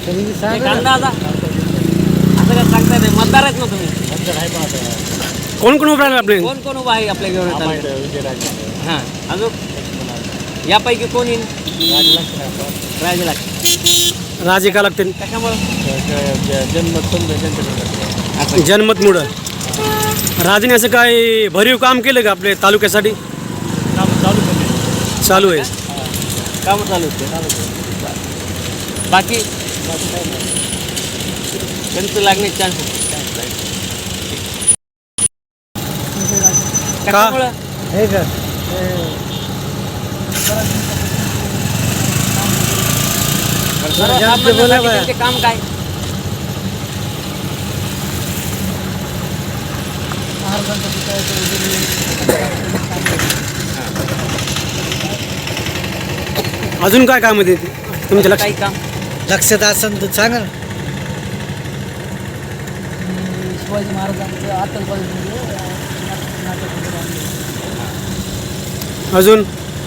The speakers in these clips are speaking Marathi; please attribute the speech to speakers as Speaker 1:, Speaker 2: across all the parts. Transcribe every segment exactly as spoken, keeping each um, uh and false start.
Speaker 1: अंदाजा असं काय सांगता नाही, मतदार आहेत ना तुम्ही?
Speaker 2: कोण कोण उभं राहिलं आपले?
Speaker 1: कोण कोण उभा आहे आपल्या घेऊन? हां, अजून यापैकी कोण येईल? राजे लागते.
Speaker 2: राजे का लागतील?
Speaker 1: कशामुळं?
Speaker 2: जनमतमुळं. राजेने असं काय भरीव काम केलं का आपल्या तालुक्यासाठी? चालू आहे.
Speaker 1: काम चालू आहे. बाकी त्यांचं लागण्याचे चान्स कशामुळं? सर्वसामान्यांसाठी काम काय?
Speaker 2: अजून काय काम आहे तुमच्या
Speaker 1: काही
Speaker 2: लक्षात?
Speaker 1: काम
Speaker 3: लक्षात असेल तर सांगा ना.
Speaker 4: शिवाजी महाराजांचं आतंकवादी
Speaker 2: अजून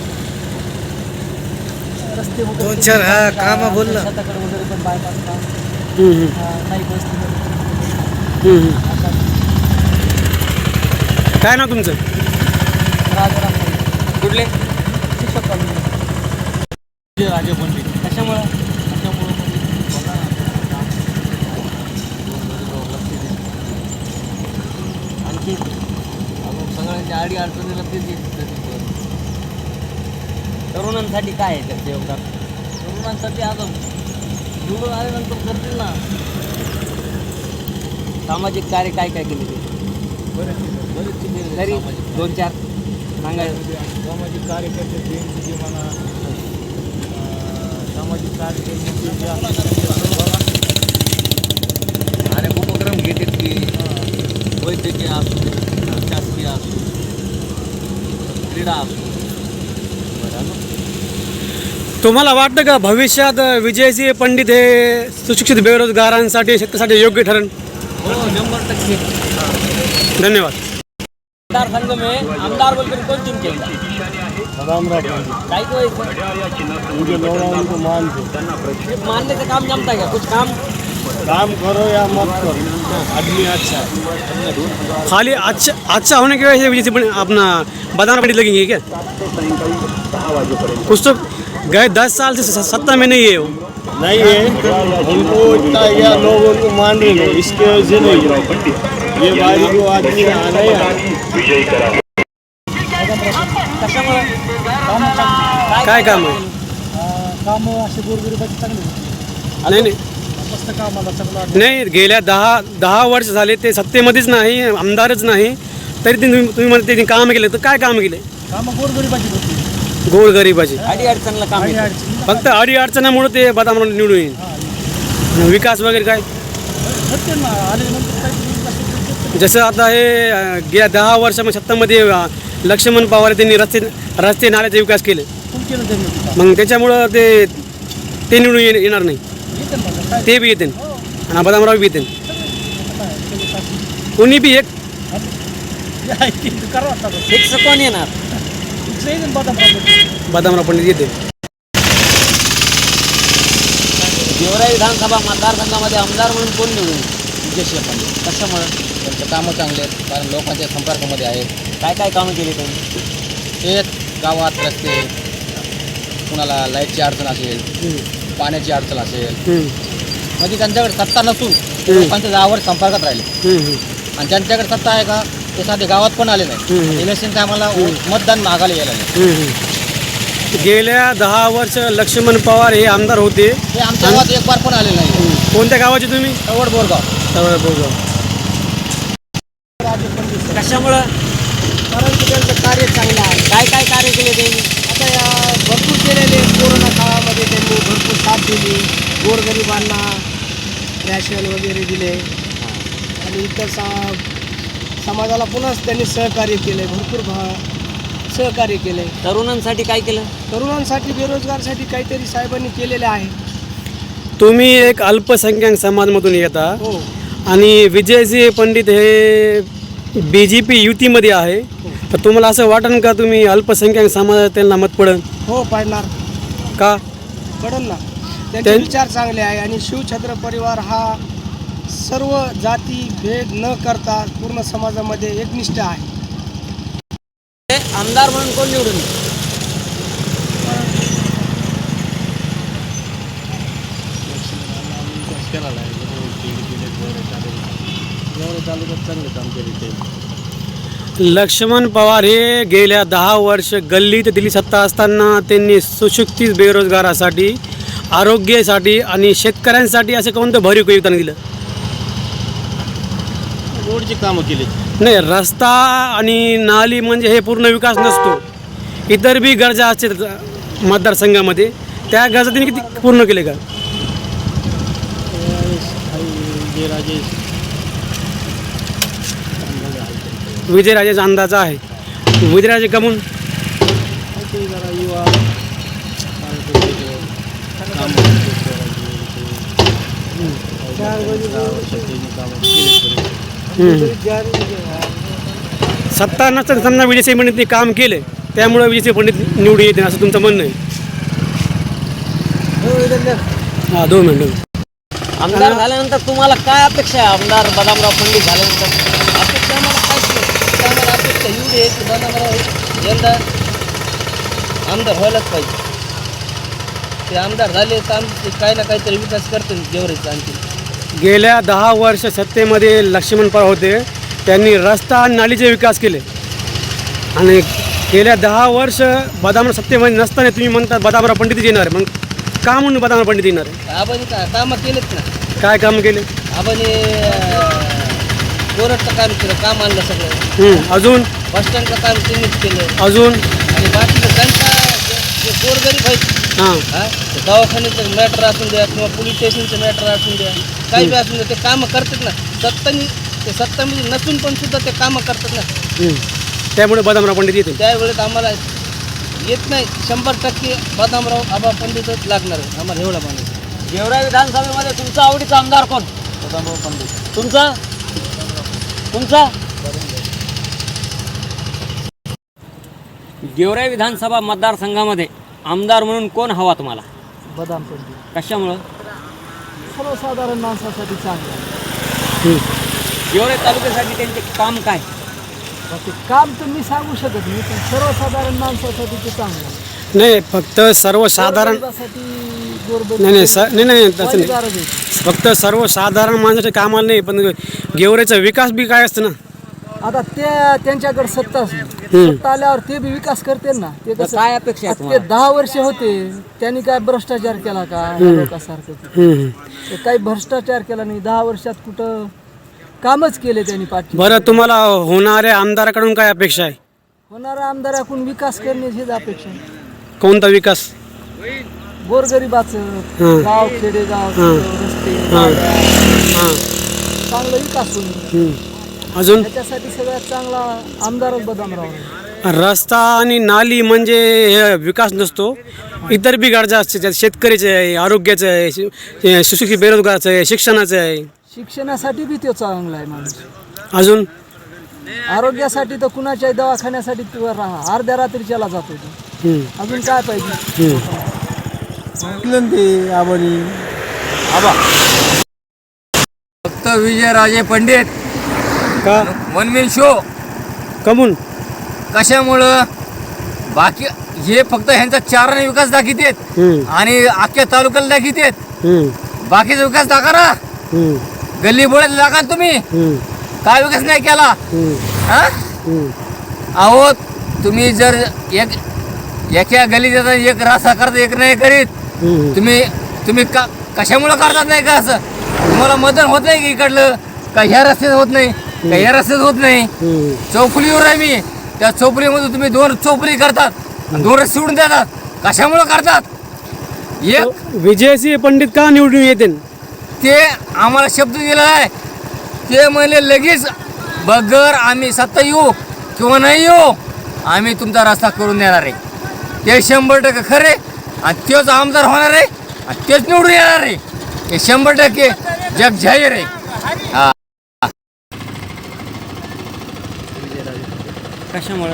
Speaker 4: रस्ते
Speaker 3: दोन चार हा कामं बोल ना.
Speaker 4: शेताकडे वगैरे पण बायपास काम
Speaker 2: हम्म, हम्म,
Speaker 4: नाही बसते.
Speaker 2: हम्म, हम्म. काय नाव तुमचं?
Speaker 4: राजाराम
Speaker 1: कुठले?
Speaker 4: शिक्षक कॉलेज.
Speaker 1: राजे पंडित. कशामुळं? आणखी सगळ्यांच्या अडी अडचणीला ते तरुणांसाठी काय आहे त्याचं योगदान? तरुणांसाठी आता निवडून आल्यानंतर करतील ना. सामाजिक कार्य काय काय केले ते? तरी दोन चार सांगायचं.
Speaker 5: सामाजिक कार्यकर्ते म्हणा, सामाजिक कार्यकर्ते
Speaker 1: अनेक उपक्रम घेतात की वैद्यकीय असू, शासकीय असू, क्रीडा असू.
Speaker 2: तुम्हाला वाटतं का भविष्यात विजयसिंह पंडित हे सुशिक्षित बेरोजगारांसाठी शेतकऱ्यासाठी योग्य ठरण?
Speaker 1: हो, शंभर टक्के.
Speaker 2: धन्यवाद.
Speaker 1: मतदारसंघ में आमदार बोलकर कौन चुन के सिर्फ मानने से काम जमता है क्या? कुछ काम
Speaker 5: काम करो या मत करो, आदमी अच्छा है.
Speaker 2: खाली अच्छा अच्छा होने की वजह से विजयसिंह पंडित अपना बदाना पंडित लगेंगे क्या? कुछ तो गए दस साल से स- सत्ता में नहीं है वो.
Speaker 5: नहीं है उनको इतना या लोग उनको मान रहे नहीं, इसके वजह से नहीं. ये बारी को आदमी आना ही आना.
Speaker 1: कशामुळे?
Speaker 2: काय काम आहे?
Speaker 4: कामं असे गोरगरिबाची चांगली
Speaker 2: नाही नाही
Speaker 4: मस्त कामाला चांगलं.
Speaker 2: नाही गेल्या दहा दहा वर्ष झाले ते सत्तेमध्येच नाही, आमदारच नाही, तरी ते तुम्ही तुम्ही म्हणते त्यांनी काम केले. तर काय काम केले?
Speaker 4: कामं गोरगरिबाची होती.
Speaker 2: गोरगरिबाची
Speaker 1: अडी अडचणला काम
Speaker 4: आणि
Speaker 1: येतं.
Speaker 4: अडचणी
Speaker 2: फक्त अडी अडचणामुळे ते बदाम निवडून येईल. आणि विकास वगैरे काय
Speaker 4: होते ना आल्यानंतर काही
Speaker 2: जसं आता हे अं, गेल्या दहा वर्षामध्ये सत्तामध्ये अं, लक्ष्मण पवार त्यांनी रस्ते रस्ते नाल्याचे विकास केले.
Speaker 4: कोण केलं त्यांनी?
Speaker 2: मग त्याच्यामुळं ते ते निवडून ये- येणार नाही.
Speaker 4: येते ना काय
Speaker 2: ते बी येते आणि बदामराव बी येते. कोणी बी एक
Speaker 4: करावं लागतं.
Speaker 1: फिक्स कोण येणार?
Speaker 2: बदामराव पंडित येते.
Speaker 1: गेवराई विधानसभा मतदारसंघामध्ये आमदार म्हणून कोण निवडून येईल? विजयसिंह पंडित. कशामुळं?
Speaker 6: त्यांचे कामं चांगले आहेत, कारण लोकांच्या संपर्कामध्ये आहेत.
Speaker 1: काय काय कामं केली त्यांनी?
Speaker 6: ते गावात रस्ते, कुणाला लाईटची अडचण असेल, पाण्याची अडचण असेल,
Speaker 2: हम्म,
Speaker 6: म्हणजे त्यांच्याकडे सत्ता नसून ते
Speaker 2: हम्म.
Speaker 6: लोकांच्या गावावर संपर्कात राहिले.
Speaker 2: हम्म, हम्म.
Speaker 6: आणि ज्यांच्याकडे सत्ता आहे का ते साधे गावात पण आले नाही.
Speaker 2: हम्म.
Speaker 6: इलेक्शन टायमाला मतदान मागायला यायला नाही.
Speaker 2: हम्म, हम्म. गेल्या दहा वर्ष लक्ष्मण पवार हे आमदार होते.
Speaker 6: ते आमच्या गावात एक बार पण आले नाही.
Speaker 2: कोणत्या गावाचे तुम्ही?
Speaker 6: कवड बोरगाव.
Speaker 1: कशामुळं?
Speaker 4: कारण की त्यांचं कार्य चांगलं आहे.
Speaker 1: काय काय कार्य केले त्यांनी?
Speaker 4: आता या भरपूर केलेले कोरोना काळामध्ये त्यांनी भरपूर साथ दिली. गोरगरिबांना रॅशन वगैरे दिले आणि इतर सा समाजाला पुन्हा त्यांनी सहकार्य केले. भरपूर भा सहकार्य केले.
Speaker 1: तरुणांसाठी काय केलं?
Speaker 4: तरुणांसाठी बेरोजगारसाठी काहीतरी साहेबांनी केलेले आहे.
Speaker 2: तुम्ही एक अल्पसंख्याक समाजमधून येता
Speaker 4: हो
Speaker 2: आणि विजयसिंह पंडित हे बी जे पी युतीमध्ये आहे, तर तुम्हाला असं वाटेल का तुम्ही अल्पसंख्याक समाजात त्यांना मत पडेल?
Speaker 4: हो पडणार
Speaker 2: का?
Speaker 4: पडेल ना. त्यांचे
Speaker 2: ते-
Speaker 4: विचार चांगले आहे आणि शिवछत्र परिवार हा सर्व जाती भेद न करता पूर्ण समाजामध्ये एकनिष्ठ आहे.
Speaker 1: आमदार म्हणून कोण निवडून येईल?
Speaker 2: लक्ष्मण पवार हे गेल्या दहा वर्ष गल्लीत दिल्ली सत्ता असताना त्यांनी सुशिक्षित बेरोजगारासाठी, आरोग्यासाठी आणि शेतकऱ्यांसाठी असं कोणतं भरीव योगदान दिलं?
Speaker 5: रोडची कामं केली.
Speaker 2: नाही, रस्ता आणि नाली म्हणजे हे पूर्ण विकास नसतो. इतर बी गरजा असतात मतदारसंघामध्ये, त्या गरजा त्यांनी किती पूर्ण केले का? विजयराजेचा अंदाज आहे. विजयराजे कमून सत्ता नसताना समजा विजयसिंह पंडितने काम केले, त्यामुळे विजयसिंह पंडित निवडून येते असं तुमचं म्हणणं आहे? हां, दोन मिनटं.
Speaker 1: आमदार झाल्यानंतर तुम्हाला काय अपेक्षा आहे? आमदार बदामराव पंडित झाल्यानंतर
Speaker 4: अपेक्षा आम्हाला काहीच नाही. आम्हाला अपेक्षा एवढी आहे की बदामराव यंदा आमदार व्हायलाच पाहिजे. ते आमदार झाले तर आमचे काही ना काहीतरी विकास करतील गेवराईचा आणखी.
Speaker 2: गेल्या दहा वर्ष सत्तेमध्ये लक्ष्मण पवार होते, त्यांनी रस्ता आणि नालीचे विकास केले. आणि गेल्या दहा वर्ष बदामराव सत्तेमध्ये नसताना तुम्ही म्हणता बदामराव पंडितच येणार आहे. मग का म्हणून बदामराव पंडित येणार आहे?
Speaker 4: आपण का कामं केलेत ना.
Speaker 2: काय काम केले?
Speaker 4: आपण कोरटचं काम केलं, काम आणलं सगळं.
Speaker 2: हं, अजून
Speaker 4: बसस्टँडचं काम त्यांनीच केलं.
Speaker 2: अजून
Speaker 4: आणि बाकीचं त्यांचा जे गोरगरीब आहेत,
Speaker 2: हां
Speaker 4: हा ते दवाखान्याचं मॅटर असून द्या किंवा पोलीस स्टेशनचं मॅटर असून द्या, काही बी असून द्या, ते कामं करतात ना. सत्तानी ते सत्तामध्ये नसून पण सुद्धा ते कामं करतात ना.
Speaker 2: हं. त्यामुळे बदामराव पंडित येते.
Speaker 4: त्यावेळेस आम्हाला येत नाही, शंभर टक्के बदामराव आबा पंडितच लागणार आहे आम्हाला, एवढा माणूस.
Speaker 1: गेवराई विधानसभेमध्ये तुमचा आवडीचा आमदार कोण?
Speaker 4: बदामराव पंडित.
Speaker 1: तुमचा तुमचा गेवराई विधानसभा मतदारसंघामध्ये आमदार म्हणून कोण हवा तुम्हाला?
Speaker 4: बदाम पंडित
Speaker 1: कशामुळं?
Speaker 4: सर्वसाधारण माणसासाठी चांगलं
Speaker 2: हं.
Speaker 1: गेवराई तालुक्यासाठी त्यांचे काम काय?
Speaker 4: ते काम तर मी सांगू शकत नाही, पण सर्वसाधारण माणसासाठी ते चांगलं आहे.
Speaker 2: नाही, फक्त सर्वसाधारण नाही नाही स नाही नाही तसं नाही. फक्त सर्वसाधारण माणसाच्या कामाला नाही, पण गेवराईचा विकास बी काय असतं ना.
Speaker 4: आता ते त्यांच्याकडे सत्ताच नाही.
Speaker 2: हं.
Speaker 4: सत्ता आल्यावर ते बी विकास करते ना. ते
Speaker 1: तर
Speaker 4: कसं
Speaker 1: काय अपेक्षा आहे
Speaker 4: आता ते
Speaker 1: तुम्हाला?
Speaker 4: दहा वर्ष होते, त्यांनी काय भ्रष्टाचार केला का या लोकांसारखं?
Speaker 2: हं, हं.
Speaker 4: ते काही भ्रष्टाचार केला नाही. दहा वर्षात कुठं कामच केले त्यांनी पाठी.
Speaker 2: बरं, तुम्हाला होणाऱ्या आमदाराकडून काय अपेक्षा आहे?
Speaker 4: होणाऱ्या आमदाराकडून विकास करण्याची हीच अपेक्षा आहे.
Speaker 2: कोणता विकास?
Speaker 4: गोरगरिबाचं
Speaker 2: हं.
Speaker 4: गाव खेडेगाव
Speaker 2: हं.
Speaker 4: रस्ते
Speaker 2: हां
Speaker 4: गाड्या,
Speaker 2: हां
Speaker 4: चांगला विकास होईल.
Speaker 2: हं. अजून
Speaker 4: त्याच्यासाठी सगळ्यात चांगला आमदारच बदामराव आहे.
Speaker 2: रस्ता आणि नाली म्हणजे हे विकास नसतो. इतर बी गरजा असते, त्यात शेतकऱ्याचं आहे, आरोग्याचं आहे, शि- सुशिक्षित बेरोजगाराचं आहे, शिक्षणाचं आहे.
Speaker 4: शिक्षणासाठी बी तो चांगला आहे माणूस.
Speaker 2: अजून
Speaker 4: आरोग्यासाठी तर कुणाच्याही दवाखान्यासाठी तो राहा अर्ध्या रात्रीच्याला जातो तो.
Speaker 2: हं.
Speaker 4: अजून काय पाहिजे?
Speaker 2: हं.
Speaker 6: फक्त विजयराजे पंडित
Speaker 2: का
Speaker 6: वनमेन शो.
Speaker 2: कमून
Speaker 6: कशामुळं? बाकी हे फक्त ह्यांचा चाराने विकास दाखवतात
Speaker 2: हं.
Speaker 6: आणि अख्ख्या तालुक्याला दाखवतात.
Speaker 2: हं.
Speaker 6: बाकीचा विकास दाखवा ना.
Speaker 2: हं.
Speaker 6: गल्ली बोळ्यात दाखवा ना तुम्ही.
Speaker 2: हं.
Speaker 6: काय विकास नाही केला?
Speaker 2: हं.
Speaker 6: हा
Speaker 2: हं.
Speaker 6: अहो, तुम्ही जर एक एका गल्लीत येतात, एक रस्ता करता, एक नाही करीत.
Speaker 2: हं.
Speaker 6: तुम्ही तुम्ही का कशामुळं करतात नाही का असं? तुम्हाला मदत होत नाही की इकडलं का ह्या रस्त्यात होत नाही का ह्या रस्त्यात होत नाही?
Speaker 2: हं.
Speaker 6: चौफुलीवर आहे मी, त्या चौफुलीमध्ये तुम्ही दोन चौफुली करतात आणि दोन रस्ते सोडून देतात. कशामुळं करतात? एक
Speaker 2: विजयसिंह पंडित का निवडून येते?
Speaker 6: ते आम्हाला शब्द दिला आहे, ते म्हणले लगेच बगर आम्ही सत्ता येऊ किंवा नाही येऊ, आम्ही तुमचा रस्ता करून देणार आहे. ते शंभर टक्के खरे आणि तेच आमदार होणार आहे आणि तेच निवडून येणार आहे. हे शंभर टक्के जग जाहीर आहे. हा.
Speaker 1: कशामुळं?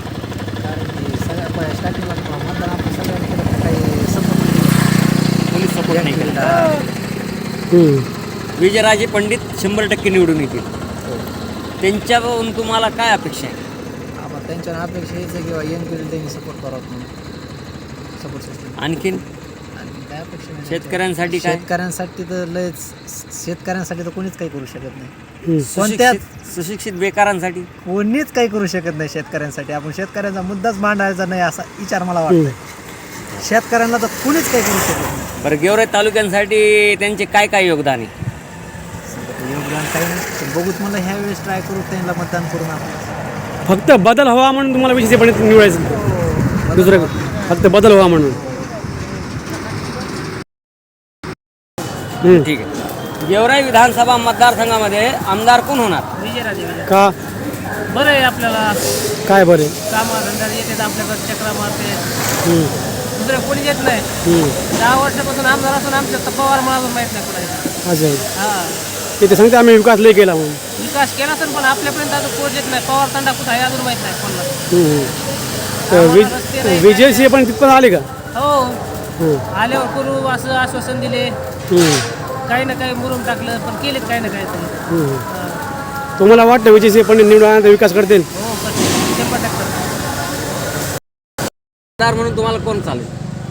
Speaker 4: सगळ्या स्टार्टिंगला मतदान आपण सगळ्यांनी केलं, काही संपर्क
Speaker 1: पोलीस सपोर्ट नाही केला.
Speaker 2: हम्म.
Speaker 1: विजयराजे पंडित शंभर टक्के निवडून येतील. त्यांच्याकडून तुम्हाला काय अपेक्षा आहे?
Speaker 7: आम्हाला त्यांच्या अपेक्षा हेच आहे किंवा एन पिढीला त्यांनी सपोर्ट करावं म्हणून सपोर्ट सिस्टम.
Speaker 1: आणखीन
Speaker 7: आणि काय अपेक्षा नाही.
Speaker 1: शेतकऱ्यांसाठी काय?
Speaker 7: शेतकऱ्यांसाठी तर लयच शेतकऱ्यांसाठी तर कोणीच काही करू शकत नाही. कोणत्याच
Speaker 1: सुशिक्षित सुशिक्षित बेकारांसाठी
Speaker 7: कोणीच काही करू शकत नाही शेतकऱ्यांसाठी. आपण शेतकऱ्यांचा मुद्दाच मांडायचा नाही असा विचार मला वाटतं. शेतकऱ्यांना तर कोणीच काही करू शकत नाही.
Speaker 1: बरं, गेवराई तालुक्यांसाठी त्यांचे काय काय योगदान आहे?
Speaker 7: योगदान काही नाही. पण बघूच मला ह्या वेळेस ट्राय करू त्यांना मतदान करून आपण.
Speaker 2: फक्त बदल हवा म्हणून तुम्हाला विजय पंडित निवडायचं, दुसरं फक्त बदल हवा म्हणून. हम्म.
Speaker 1: ठीक आहे. गेवराई विधानसभा मतदारसंघामध्ये आमदार कोण होणार?
Speaker 4: विजयराजे
Speaker 2: का
Speaker 4: बरं आहे आपल्याला.
Speaker 2: काय बरे?
Speaker 4: कामं धंदा येतात आपल्याकडे, चक्रा मारते.
Speaker 2: हम्म.
Speaker 4: दुसरं कोणी येत नाही.
Speaker 2: हम्म.
Speaker 4: दहा वर्षापासून आमदार असून आमच्या तर पवार मला अजून माहीत नाही कुठे.
Speaker 2: अच्छा.
Speaker 4: हा
Speaker 2: ते ते सांगते आम्ही विकास लय केला म्हणून.
Speaker 4: विकास केला तर पण आपल्यापर्यंत अजून पोच येत नाही. पवार तंडा कुठं आहे अजून माहीत नाही कोणाला.
Speaker 2: हम्म. तर विज विजयसिंह पण तिथपर्यंत आले का?
Speaker 4: हो
Speaker 2: हम्म.
Speaker 4: आल्यावर करू असं आश्वासन दिले.
Speaker 2: हम्म.
Speaker 4: काही ना काही मुरुम टाकलं पण केलेत काही ना काही तरी.
Speaker 2: हम्म. तुम्हाला वाटतं विजयसिंह पंडित निवडून आल्यानंतर विकास करतील?
Speaker 4: हो करते शंभर टक्के.
Speaker 1: आमदार म्हणून तुम्हाला कोण चालेल?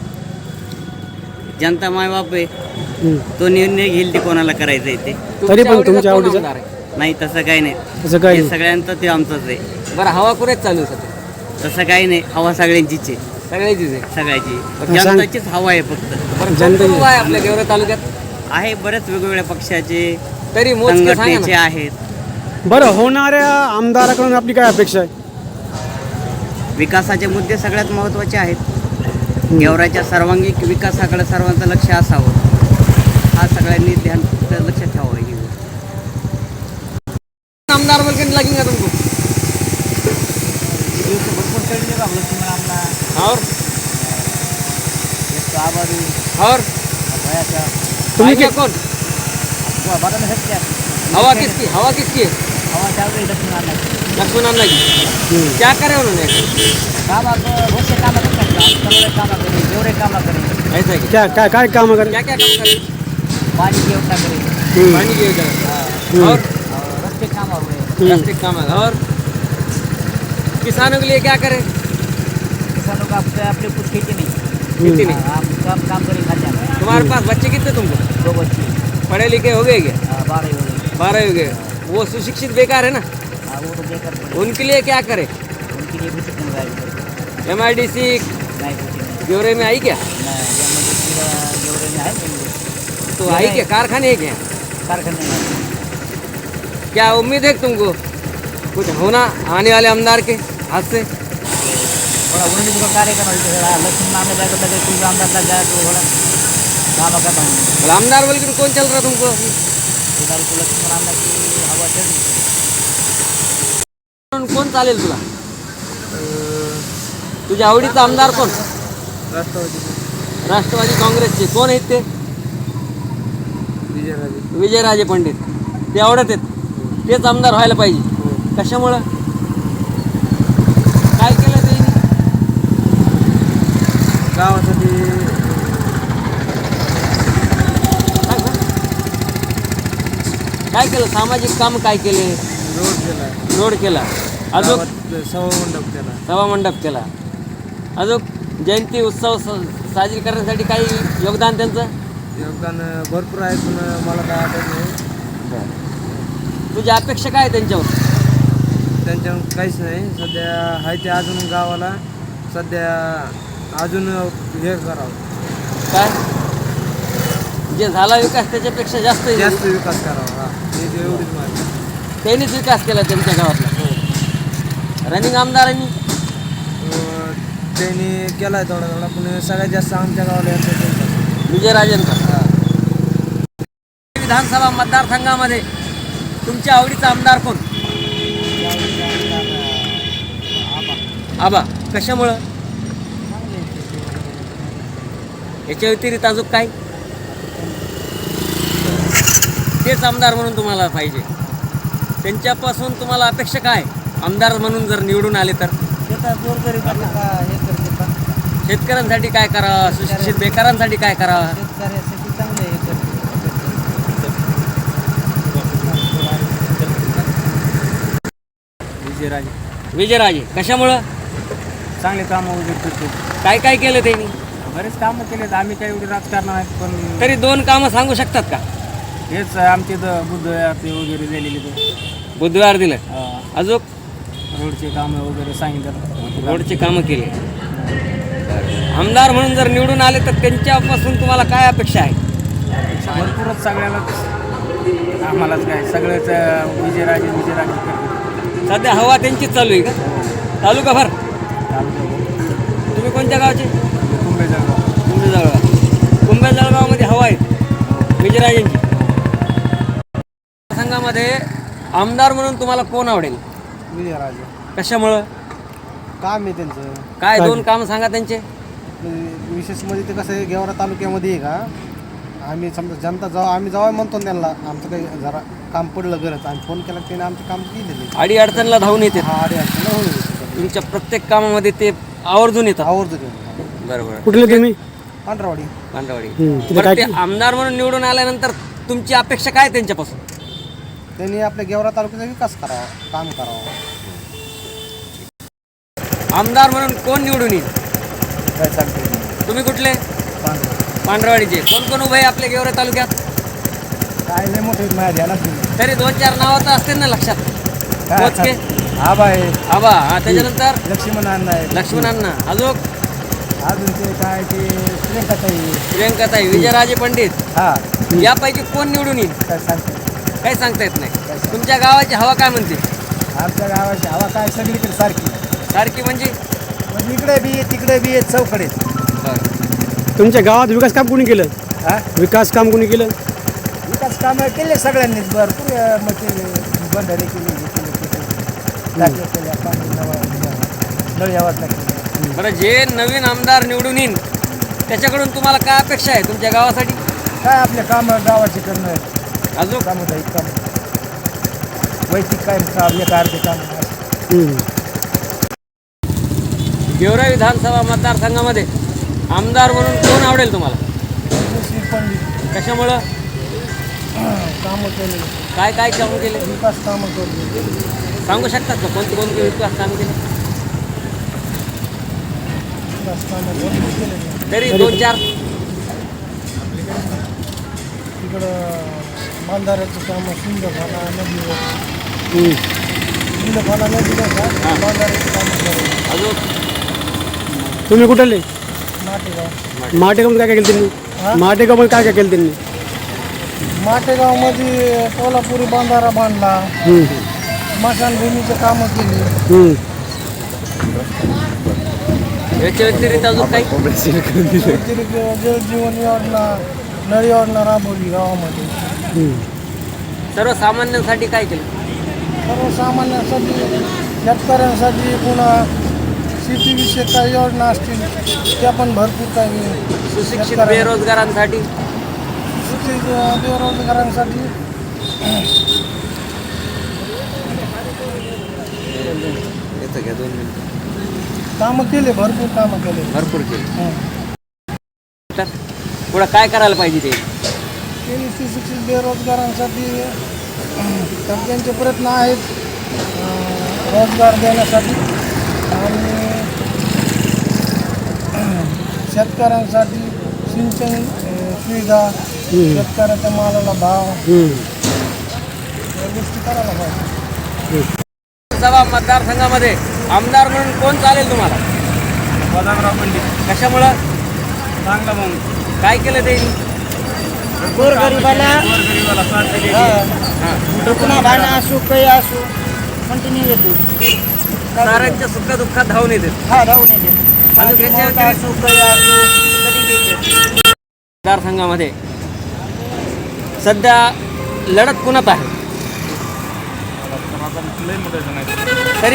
Speaker 8: जनता मायबाप आहे,
Speaker 2: हम्म.
Speaker 8: तो निर्णय घेईल ते कोणाला करायचं आहे ते.
Speaker 2: तरी पण
Speaker 1: आवडीचा
Speaker 2: तुमच्या
Speaker 1: कोण
Speaker 2: आवडीचा?
Speaker 1: आमदार आहे?
Speaker 8: नाही तसं काही नाही.
Speaker 2: असं काय
Speaker 8: हे सगळ्यांचं ते आमचंच आहे.
Speaker 1: बरं, हवा कुरेच चालू आहे सध्या?
Speaker 8: तसं काही नाही. हवा सगळ्यांचीच आहे,
Speaker 1: सगळ्याचीच आहे.
Speaker 8: सगळ्याची.
Speaker 2: सांग.
Speaker 8: जनताचीच हवा आहे फक्त.
Speaker 1: बरं,
Speaker 2: जनता-
Speaker 1: कोण कोण आहे आपल्या गेवराई तालुक्यात?
Speaker 8: आहे बरेच वेगवेगळ्या पक्षाचे,
Speaker 1: तरी मोजके सांगा
Speaker 8: संघटनेचे
Speaker 1: ना.
Speaker 8: आहेत.
Speaker 2: बरं, होणाऱ्या आमदाराकडून आपली काय अपेक्षा आहे?
Speaker 8: विकासाचे मुद्दे सगळ्यात महत्त्वाचे आहेत. गेवराईच्या सर्वांगीण विकासाकडे सर्वांचं लक्ष असावं, हा सगळ्यांनी ध्यान लक्षात ठेवावं. ही
Speaker 1: आमदार वगैरे लागेल का तुमको? और और
Speaker 2: तुम्ही
Speaker 1: आएगा
Speaker 2: कि-
Speaker 1: कौन? हवा किसकी हवा किसकी है? लक्ष्मण अण्णा की. क्या करे उन्होंने? ऐसा है क्या?
Speaker 2: क्या काय काय काम करे?
Speaker 1: क्या क्या काम करे?
Speaker 7: पाणी की व्यवस्था करेल.
Speaker 2: हम्म.
Speaker 1: पानी की योजना और
Speaker 7: रस्ते काम हो रहे.
Speaker 2: हम्म.
Speaker 1: रास्ते काम है और किसानों के लिए क्या करे?
Speaker 7: किसानों का अपने अपने कुछ खेती नहीं.
Speaker 1: खेती नहीं.
Speaker 7: हम सब काम करें खाते हैं.
Speaker 1: तुम्हारे पास बच्चे कितने तुमको?
Speaker 7: दो बच्चे
Speaker 1: पढ़े लिखे हो गए क्या?
Speaker 7: हाँ, बारह हो गए.
Speaker 1: बारह हो गए. वो सुशिक्षित बेकार है ना,
Speaker 7: हाँ, वो तो बेकार पड़े.
Speaker 1: उनके लिए क्या करे?
Speaker 7: उनके लिए कुछ नहीं गाड़ी
Speaker 1: एम आई डी सी
Speaker 7: नहीं कुछ नहीं.
Speaker 1: ब्यौरे में आई क्या?
Speaker 7: नहीं, ये मतलब पूरा जोड़े में है नहीं.
Speaker 1: तो आई क्या? कारखाने है क्या?
Speaker 7: कारखाने में.
Speaker 1: क्या उम्मीद है तुमको कुछ होना आने वाले आमदार के हाथ से?
Speaker 7: थोड़ा उन्होंने जो कार्य करना है लक्ष्मण नाम में जाकर लगे कोई आमदार लग जाए तो थोड़ा काम करता हूँ.
Speaker 1: बोला, आमदार बोल के कौन चल रहा तुमको?
Speaker 7: फिलहाल को लक्ष्मण नाम की हवा चल रही है.
Speaker 1: कोण चालेल तुला? तुझ्या आवडीचा आमदार कोण? राष्ट्रवादी काँग्रेसचे कोण आहेत ते? विजयराजे पंडित. ते आवडत आहेत, तेच आमदार व्हायला पाहिजे. कशामुळं? काय केलं त्यांनी
Speaker 5: गावासाठी?
Speaker 1: काय केलं? सामाजिक काम काय केले?
Speaker 5: रोड केला,
Speaker 1: रोड केला, अजून
Speaker 5: सभा मंडप केला.
Speaker 1: सभा मंडप केला, अजून जयंती उत्सव स- साजरी करण्यासाठी काही योगदान त्यांचं?
Speaker 5: योगदान भरपूर आहे पण मला काय आठवत नाही.
Speaker 1: तुझी अपेक्षा काय आहे त्यांच्यावर?
Speaker 5: त्यांच्यावर काहीच नाही. सध्या आहे ते अजून गावाला सध्या अजून हे करावं,
Speaker 1: काय जे झाला विकास त्याच्यापेक्षा जास्त
Speaker 5: जास्त विकास करावा. हा हे जे एवढीच माहिती.
Speaker 1: त्यांनीच विकास केला त्यांच्या गावातला. रनिंग आमदारांनी
Speaker 5: अं, त्यांनी केला आहे थोडा थोडा पण सगळ्यात जास्त आमच्या गावाला येतं त्यांचं.
Speaker 1: विजयराजेंचा. विधानसभा मतदारसंघामध्ये तुमच्या आवडीचा आमदार कोण? आबा. कशामुळं? याच्या व्यतिरिक्त अजून काय? तेच आमदार म्हणून तुम्हाला पाहिजे. त्यांच्यापासून तुम्हाला अपेक्षा काय? आमदार म्हणून जर निवडून आले तर
Speaker 7: गोरगरिबांना का हे करते का
Speaker 1: शेतकऱ्यांसाठी काय करावं? सुशिक्षित बेकारांसाठी काय करावं?
Speaker 7: शेतकऱ्यासाठी
Speaker 6: विजयराजे
Speaker 1: विजयराजे कशामुळं?
Speaker 6: चांगले कामं वगैरे करतो.
Speaker 1: काय काय केलं त्यांनी?
Speaker 6: बरेच कामं केलेत. आम्ही काही एवढे राजकारण आहेत पण
Speaker 1: तरी दोन कामं सांगू शकतात का?
Speaker 6: हेच आमचे इथं बुद्ध ते वगैरे दिलेले ते
Speaker 1: बुधवार दिलं. अजून
Speaker 6: रोडचे कामं वगैरे सांगितलं.
Speaker 1: रोडचे कामं केले. आमदार म्हणून जर निवडून आले तर त्यांच्यापासून तुम्हाला काय अपेक्षा आहे?
Speaker 6: भरपूरच सगळ्यालाच आम्हालाच काय सगळेच विजयराजे विजयराजे करतो.
Speaker 1: सध्या हवा त्यांचीच चालू आहे का? तालुका भर. तुम्ही कोणत्या गावचे?
Speaker 6: कुंभे जळगाव.
Speaker 1: कुंभे जळगाव. कुंभे जळगावमध्ये हवा आहे विजयराजेंची. संघामध्ये आमदार म्हणून तुम्हाला कोण आवडेल?
Speaker 4: विजयराजे
Speaker 1: कशामुळं?
Speaker 4: काम आहे त्यांचं.
Speaker 1: काय दोन कामं सांगा त्यांचे.
Speaker 4: म्हणजे विशेष म्हणजे ते कसं आहे गेवरा तालुक्यामध्ये आहे का आम्ही समजा जनता जेव्हा आम्ही जेव्हा म्हणतो ना त्यांना आमचं काही जरा काम पडलं गरज आम्ही फोन केला त्याने आमचं काम केलेलं आहे.
Speaker 1: अडी अडचणला धावून येते.
Speaker 4: हा अडी अडचण होऊन येते.
Speaker 1: तुमच्या प्रत्येक कामामध्ये ते आवर्जून येतात.
Speaker 4: आवर्जून येऊन
Speaker 1: बरोबर.
Speaker 2: कुठले तुम्ही?
Speaker 4: पांढरावाडी.
Speaker 1: पांढरवाडी.
Speaker 2: हम्म. तिथे
Speaker 1: बरं,
Speaker 2: काय
Speaker 1: ते आमदार म्हणून निवडून आल्यानंतर तुमची अपेक्षा काय त्यांच्यापासून?
Speaker 4: त्यांनी आपल्या गेवरा तालुक्याचा विकास करावा काम करावं.
Speaker 1: आमदार म्हणून कोण निवडून येईल?
Speaker 4: काय सांगते
Speaker 1: तुम्ही कुठले? पांढरवाडीचे. कोण कोण उभे आहे आपल्या गेवरा तालुक्यात?
Speaker 4: काय लय मोठे माझ्या ध्यानात नाही.
Speaker 1: तरी दोन चार नावं तर असतील ना लक्षात?
Speaker 4: काय
Speaker 1: मोजके?
Speaker 4: आबा आहे
Speaker 1: आबा. हा, त्याच्यानंतर
Speaker 4: लक्ष्मण अण्णा आहे
Speaker 1: लक्ष्मणांना. अजून
Speaker 4: अजून ते काय ते प्रियंकाताई
Speaker 1: प्रियंकाताई, विजयराजे पंडित.
Speaker 4: हा
Speaker 1: यापैकी कोण निवडून येईल?
Speaker 4: काय सांगते
Speaker 1: काही सांगता येत नाही. तुमच्या गावाची हवा काय म्हणते?
Speaker 4: आमच्या गावाची हवा काय सगळीकडे सारखी
Speaker 1: सारखी म्हणजे?
Speaker 4: पण इकडे बी आहे तिकडे बी आहे चौकडे.
Speaker 2: तुमच्या गावात विकास काम कोणी केलं?
Speaker 4: हा
Speaker 2: विकास काम कोणी केलं?
Speaker 4: विकास कामं केले सगळ्यांनीच भरपूर अं, मग केले बंधारे केले हे केले ते केले. टाक्या केल्या पाणी नळ यावाच लागले.
Speaker 1: बरं, जे नवीन आमदार निवडून येईन त्याच्याकडून तुम्हाला काय अपेक्षा आहे तुमच्या गावासाठी?
Speaker 4: काय आपले कामं गावाचे करणं
Speaker 1: अजून
Speaker 4: सामुदायिक काम वैयक्तिक काय काम एक अर्धे काम
Speaker 2: हम्म.
Speaker 1: गेवरा विधानसभा मतदारसंघामध्ये आमदार म्हणून कोण आवडेल तुम्हाला?
Speaker 4: पंडित
Speaker 1: कशामुळं?
Speaker 4: कामं केले
Speaker 1: काय काय कामं केले?
Speaker 4: विकास कामं केले
Speaker 1: सांगू शकतात का कोणते कोणते विकास काम केले?
Speaker 4: विकास कामं भरपूर केले.
Speaker 1: तरी दोन चार.
Speaker 4: तिकडं बांधाऱ्याचं कामं शिंदफाना नदीवर
Speaker 2: हम्म.
Speaker 4: शिंदफाना नदीवर का बांधाऱ्याचं कामं केले.
Speaker 1: अजून
Speaker 2: तुम्ही कुठले?
Speaker 4: माटेगाव.
Speaker 2: माटेगावमध्ये काय काय केलं
Speaker 4: हा?
Speaker 2: त्यांनी? माटेगावमध्ये काय काय केलं त्यांनी?
Speaker 4: माटेगावमध्ये कोल्हापुरी बांधारा बांधला.
Speaker 2: हम्म.
Speaker 4: स्मशानभूमीचं कामं केली.
Speaker 2: हम्म.
Speaker 1: याच्या व्यतिरिक्त अजून काही?
Speaker 4: व्यतिरिक्त जलजीवन योजना नळ योजना राबवली गावामध्ये.
Speaker 2: हम्म.
Speaker 1: सर्वसामान्यांसाठी काय केलं?
Speaker 4: सर्वसामान्यांसाठी शेतकऱ्यांसाठी पुन्हा शेतीविषयक काही योजना असतील त्या पण भरपूर काही
Speaker 1: सुशिक्षित
Speaker 4: शेतकऱ्या-
Speaker 1: बेरोजगारांसाठी?
Speaker 4: सुशिक्षित बेरोजगारांसाठी
Speaker 1: येतं घ्या दोन मिनिटं.
Speaker 4: कामं केले भरपूर कामं केले.
Speaker 1: भरपूर केले.
Speaker 4: हं.
Speaker 1: तर पुढं काय करायला पाहिजे ते?
Speaker 4: त्यांनी सुशिक्षित बेरोजगारांसाठी तर त्यांचे प्रयत्न आहेत अं, रोजगार देण्यासाठी आणि शेतकऱ्यांसाठी सिंचन अं, सुविधा शेतकऱ्याच्या मालाला भाव
Speaker 2: हम्म.
Speaker 4: या गोष्टी करायला पाहिजे.
Speaker 1: सभा मतदारसंघामध्ये आमदार म्हणून कोण चालेल तुम्हाला?
Speaker 6: बदामराव पंडित.
Speaker 1: कशामुळं?
Speaker 6: चांगला म्हणून
Speaker 1: काय केलं ते?
Speaker 4: गोरगरिबाला
Speaker 6: गोरगरिबाला स्वार्थ दिली.
Speaker 4: दुखणं भाणं असो काही असो कंटिन्यू येते.
Speaker 1: साऱ्यांच्या सुख दुःखात धावून येते.
Speaker 4: हा राहून येते.
Speaker 1: अजून त्याच्या
Speaker 4: मोठा असो काही असो कधी बी येते.
Speaker 1: मतदारसंघामध्ये सध्या लढत कुणात आहे? तरी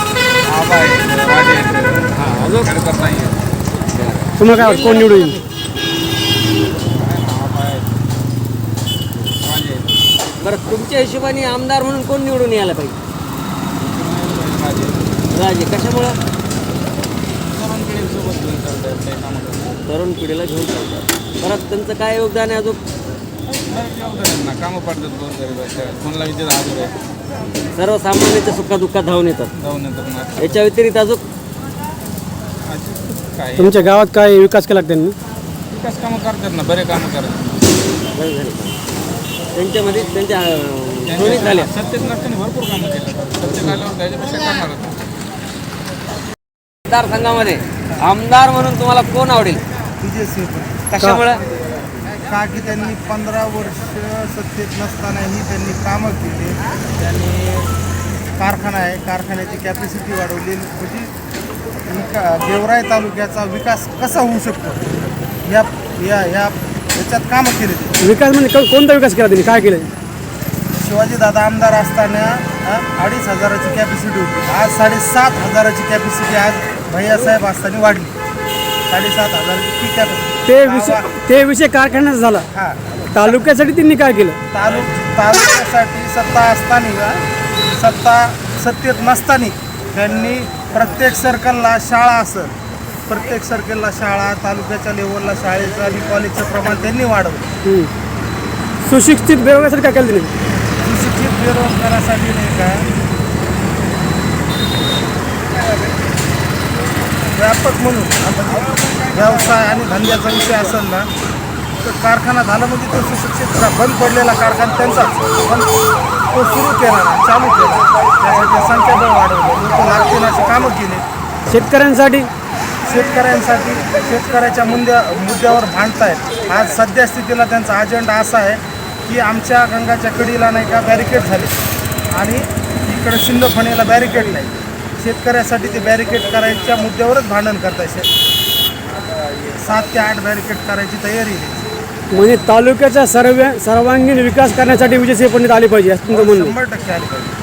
Speaker 1: हां, अजून
Speaker 2: तुम्हाला काय वाटतं कोण निवडून येईल?
Speaker 1: बरं, तुमच्या हिशोबाने आमदार म्हणून कोण निवडून यायला पाहिजे? राजे. कशामुळं? तरुण पिढीला घेऊन चालतात. परत त्यांचं काय योगदान आहे अजून?
Speaker 6: कामं पडतात गोरगरिबाच्या कोणाला विचार हजर आहे
Speaker 1: सर्वसामान्यांच्या सुखादुःखात धावून येतात.
Speaker 9: जाऊन येतात ना.
Speaker 1: याच्या व्यतिरिक्त अजून
Speaker 9: काय
Speaker 2: तुमच्या गावात काय विकास केला का त्यांनी?
Speaker 9: विकास कामं करतात ना, बरे कामं करतात.
Speaker 1: बरं झाले का? त्यांच्यामध्ये त्यांच्या अं, दोन्ही झाल्या.
Speaker 9: सत्तेत नसताना भरपूर कामं केलं. सत्तेत आल्यावर त्याच्यापेक्षा करणार होतं.
Speaker 1: मतदारसंघामध्ये आमदार म्हणून तुम्हाला कोण आवडेल?
Speaker 5: विजय सिंह
Speaker 1: कशामुळं?
Speaker 5: का की त्यांनी पंधरा वर्ष सत्तेत नसतानाही त्यांनी कामं केली. त्यांनी कारखाना आहे, कारखान्याची कॅपॅसिटी वाढवली. म्हणजे विका गेवराई तालुक्याचा विकास कसा होऊ शकतो या या या याच्यात कामं केली.
Speaker 2: विकास म्हणजे को- कोणता विकास केला त्यांनी? काय केलं?
Speaker 5: शिवाजीदादा आमदार असताना अ, अडीच हजाराची कॅपॅसिटी होती. आज साडेसात हजाराची कॅपॅसिटी आज भैयासाहेब असताना वाढली. साडेसात हजाराची ती कॅपॅसिटी.
Speaker 2: ते विषय ते विषय कारखान्याचा झाला.
Speaker 5: हां
Speaker 2: तालुक्यासाठी त्यांनी काय केलं?
Speaker 5: तालुक तालुक्यासाठी सत्ता असताना सत्ता सत्तेत नसताना त्यांनी प्रत्येक सर्कलला शाळा असेल, प्रत्येक सर्कलला शाळा, तालुक्याच्या लेवलला शाळेचं आणि कॉलेजचं प्रमाण त्यांनी वाढवलं.
Speaker 2: हम्म. सुशिक्षित बेरोजगारासाठी काय केलं त्यांनी?
Speaker 5: सुशिक्षित बेरोजगारासाठी नाही का व्यापक म्हणून आता व्यवसाय आणि धंद्याचा विषय असेल ना तर कारखाना झाला म्हणजे तो सुशिक्षित बंद पडलेला कारखाना त्यांचाच, पण तो सुरू केला ना, चालू केला. त्यासाठी संख्याबळ वाढवलं, लोक लागतील अशी कामं केली.
Speaker 2: शेतकऱ्यांसाठी
Speaker 5: शेतकऱ्यांसाठी शेतकऱ्याच्या मुद्द्या मुद्द्यावर भांडतायत. आज सध्या स्थितीला त्यांचा अजेंडा असा आहे की आमच्या गंगाच्या कडीला नाही का बॅरिकेड झाले आणि इकडे शिंदफणीला बॅरिकेड नाही. शेतकऱ्यासाठी ते बॅरिकेड करायच्या मुद्द्यावरच भांडण करताय. सात ते आठ बॅरिकेड करायची तयारी आहे.
Speaker 2: म्हणजे तालुक्याचा सर्व सर्वांगीण विकास करण्यासाठी विजयसिंह पंडित आले पाहिजे असं तुमचं म्हणणं आहे.
Speaker 5: शंभर टक्के आली पाहिजे.